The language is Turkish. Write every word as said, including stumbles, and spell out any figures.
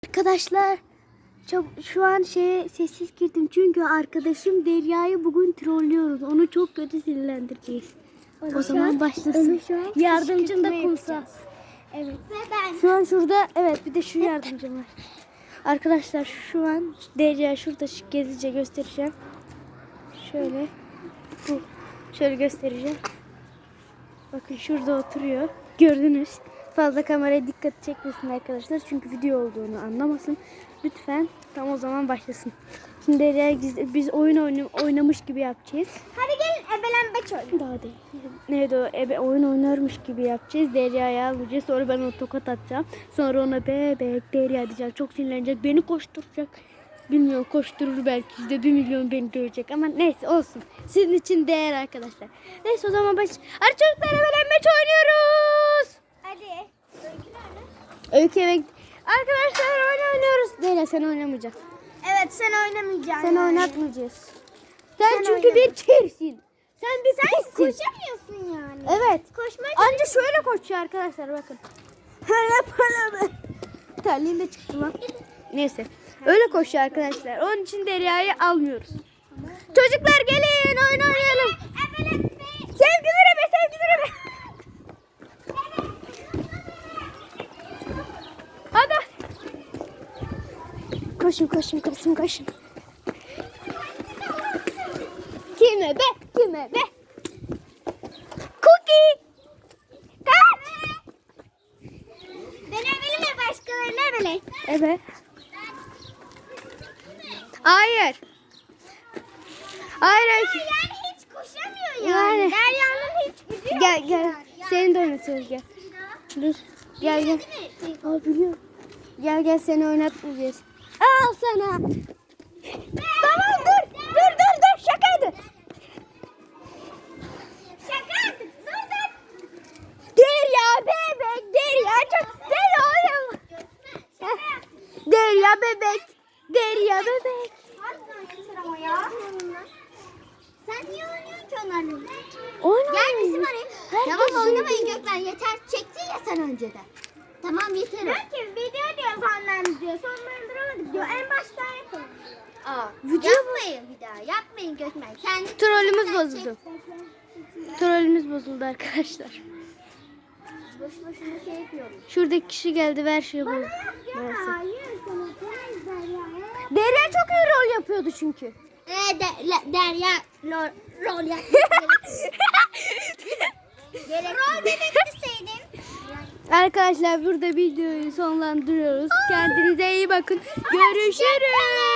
Arkadaşlar çok, şu an şeye sessiz girdim çünkü arkadaşım Derya'yı bugün trollüyoruz. Onu çok kötü sinirlendireceğiz. O, o zaman başlasın. Yardımcım da kumsal. Evet. Ve ben. Şu an şurada, evet, bir de şu yardımcım var. Arkadaşlar şu an Derya şurada gezice göstereceğim. Şöyle. Bu. Şöyle göstereceğim. Bakın şurada oturuyor. Gördünüz. Fazla kameraya dikkat çekmesin arkadaşlar. Çünkü video olduğunu anlamasın. Lütfen tam o zaman başlasın. Şimdi Derya'ya gizli, biz oyun oynam, oynamış gibi yapacağız. Hadi gelin ebelenbeç oynayalım. Daha değil. Neydi o? Ebe, oyun oynarmış gibi yapacağız. Derya'ya alacağız. Sonra ben ona tokat atacağım. Sonra ona bebek Derya diyeceğim. Çok sinirlenecek. Beni koşturacak. Bilmiyorum, koşturur belki de bir milyon beni dövecek. Ama neyse olsun. Sizin için değer arkadaşlar. Neyse o zaman baş... Hadi çocuklar, ebelenmeç oynuyoruz. Hadi. Öykü nerede? Öykü eve... Arkadaşlar oyun oynuyoruz. Derya sen oynamayacaksın. Evet, sen oynamayacaksın. Sen yani. oynatmayacağız. Sen, Sen çünkü oynama. bir kirsin. Sen bir Sen pissin. koşamıyorsun yani. Evet. Koşmaya Anca şöyle koşuyor arkadaşlar, bakın. Hala para mı? Terliğim de çıktı lan. Neyse. Öyle koşuyor arkadaşlar. Onun için Derya'yı almıyoruz. Çocuklar gelin oyun oynayalım. Sevgilere be, sevgilere be. Hadi. Koşun koşun koşun koşun. Kime be? Kime be? Cookie. Kaç. Ben ebelim mi, başkalarını ebele? Evet. Hayır. Hayır. Öykü. Yani hiç koşamıyor yani. Yani. Derya'nın hiç gücü yok. Gel gel. Yani. Seni de oynatıyoruz, gel. Dur. Gel gel. Aa, biliyorum. Gel gel, seni oynatmayacağız. Al sana. Tamam dur. Dur dur dur. Şakaydı. Şaka artık. Dur dur. Derya bebek. Derya çok. Derya oynama. Heh. Derya bebek. Derya bebek. Harbiden yeter ama ya. Sen niye oynuyorsun ki onlarla? Oyna. Gel bizim araya. Herkes Tamam, oynamayın oynuyor. Gökmen, yeter. Çektin ya sen önceden. Tamam, yeter o. Belki video diyor senden diyor. Sonlandıramadık diyor. En baştan yapalım. Aa, Video yapmayın bir daha. Yapmayın Gökmen. Kendi Trollümüz bozuldu. Trollümüz bozuldu arkadaşlar. Boş boşuna şey yapıyorum. Şuradaki kişi geldi, ver şeyi bozdu. Neyse. Hayır, sana teyze ya. Derya çok iyi rol yapıyordu çünkü. Ee, de, le, Derya rol, rol yap. Rol belirtseydin. Arkadaşlar burada videoyu sonlandırıyoruz. Kendinize iyi bakın. Görüşürüz.